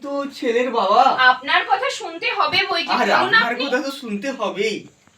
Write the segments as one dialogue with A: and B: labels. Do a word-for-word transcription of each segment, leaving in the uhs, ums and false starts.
A: তো ছেলের বাবা।
B: আপনার কথা শুনতে হবে বই কি?
A: আর
B: বলুন
A: আপনার
B: আপনি।
A: কথা তো শুনতে হবেই।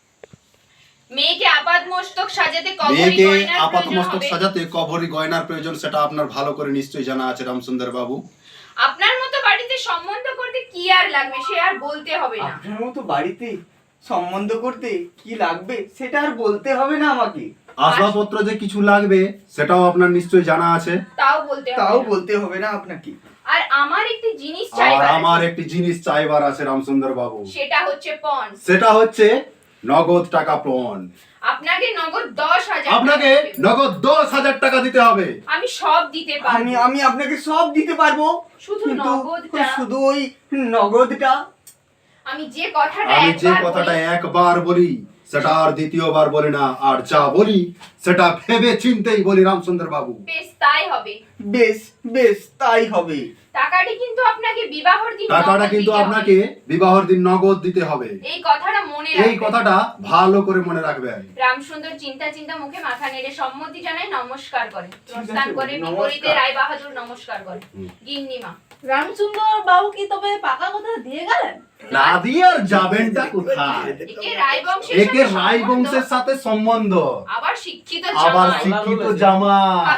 B: মেয়েকে আপাত মস্তক সাজাতে কবরী
C: মেয়েকে
B: গয়নার
C: আপাত
B: প্রয়োজন
C: মস্তক
B: হবে।
C: সাজাতে কবরী গয়নার প্রয়োজন, সেটা আপনার ভালো করে নিশ্চয়ই জানা আছে রামসুন্দর বাবু।
B: আপনার মতো বাড়িতে সম্বন্ধ করতে কি আর লাগবে সে আর বলতে হবে না।
A: আপনার মতো বাড়িতে সম্বন্ধ করতে কি লাগবে সেটা আর বলতে হবে না আমাকে।
C: আসবাবপত্র যে কিছু লাগবে সেটাও আপনার নিশ্চয়ই জানা আছে।
B: তাও বলতে হবে
A: তাও
B: না।
A: বলতে হবে না আপনাকে।
B: আর আমার একটি জিনিস
C: আর
B: চাইবার
C: আমার
B: আছে।
C: একটি জিনিস চাইবার আছে রামসুন্দর বাবু,
B: সেটা হচ্ছে পণ।
C: সেটা হচ্ছে নগদ টাকা পণ।
B: আপনাকে নগদ দশ হাজার
C: আপনাকে
B: টাকা দিতে হবে।
C: নগদ দশ হাজার টাকা দিতে হবে।
B: আমি সব দিতে পারবো।
A: আমি আমি আপনাকে সব দিতে পারবো,
B: শুধু
A: কিন্তু
B: নগদটা।
A: শুধু ওই নগদটা।
B: আমি যে কথাটা
C: আমি যে
B: একবার
C: কথাটা
B: বলি,
C: একবার বলি সেটা আর দ্বিতীয়বার বলি না, আর যা বলি সেটা ভেবে চিন্তেই বলি রামসুন্দর বাবু।
B: বেশ তাই হবে।
A: বেশ বেশ তাই হবে।
B: টাকাটি কিন্তু আপনাকে বিবাহের দিন
C: টাকাটা
B: নগদ
C: কিন্তু
B: দিতে হবে।
C: আপনাকে বিবাহের দিন নগদ দিতে হবে।
B: এই কথাটা মনে
C: এই
B: রাখবেন।
C: কথাটা ভালো করে মনে রাখবেন।
B: রামসুন্দর চিন্তা চিন্তা মুখে মাথা নেড়ে সম্মতি জানায়, নমস্কার করে প্রস্থান
A: আছে,
B: করে
A: নমস্কার।
B: বিপরীতে রায় বাহাদুর নমস্কার করে।
C: হুম।
B: গিন্নিমা
D: রামচন্দ্র বাবু কি তবে পাকা কথা দিয়ে গেলেন?
C: না দিয়ে আর যাবেনটা কোথায়?
B: একে রায় বংশের
C: একে
B: সাথে
C: রায়
B: সম্বন্ধ,
C: বংশের সাথে সম্বন্ধ,
B: আবার শিক্ষিত
C: আবার
B: জামাই।
C: শিক্ষিত জামাই।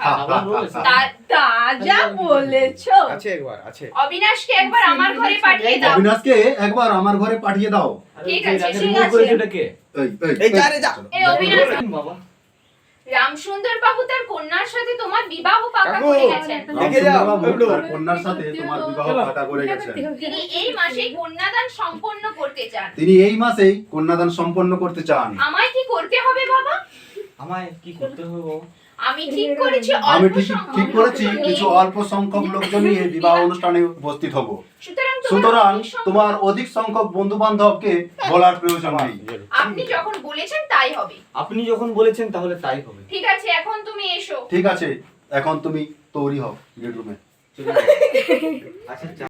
B: তার-
D: তা যা বলেছো।
A: আছে একবার আছে।
B: অবিনাশকে একবার আমার ঘরে পাঠিয়ে দাও।
C: অবিনাশকে একবার আমার ঘরে পাঠিয়ে দাও।
B: ঠিক আছে,
D: ঠিক
B: ঠিক আছে।
D: আছে।
C: এই, এই,
A: এই যা রে যা।
B: এই অবিনাশ,
A: বাবা
B: রামসুন্দর বাবু তার কন্যার সাথে তোমার বিবাহ পাকা
A: কাকু,
B: করে গেছেন।
A: দেখে যাও,
C: রামসুন্দর বাবু
A: একটু।
C: তার কন্যার সাথে তোমার বিবাহ পাকা করে গেছেন।
B: তিনি এই মাসেই কন্যাদান সম্পন্ন করতে চান।
C: তিনি এই মাসেই কন্যাদান সম্পন্ন করতে চান।
B: আমায় কি করতে হবে বাবা?
E: আমায় কি করতে হবে বাবা?
B: আমি ঠিক করেছি
C: আমি
B: অল্প
C: ঠিক
B: সংখ্যক
C: ঠিক করেছি
B: লোকজন নিয়ে।
C: কিছু অল্প সংখ্যক লোকজন নিয়ে বিবাহ অনুষ্ঠানে উপস্থিত হব।
B: সুতরাং তোমার
C: সুতরাং
B: অধিক সংখ্যক-
C: তোমার অধিক সংখ্যক বন্ধু বান্ধবকে বলার প্রয়োজন নেই।
B: আপনি যখন বলেছেন তাই হবে।
E: আপনি যখন বলেছেন তাহলে তাই হবে।
B: ঠিক আছে, এখন তুমি এসো।
C: ঠিক আছে, এখন তুমি তৈরি হও বেডরুমে।
E: চলে যাও। আচ্ছা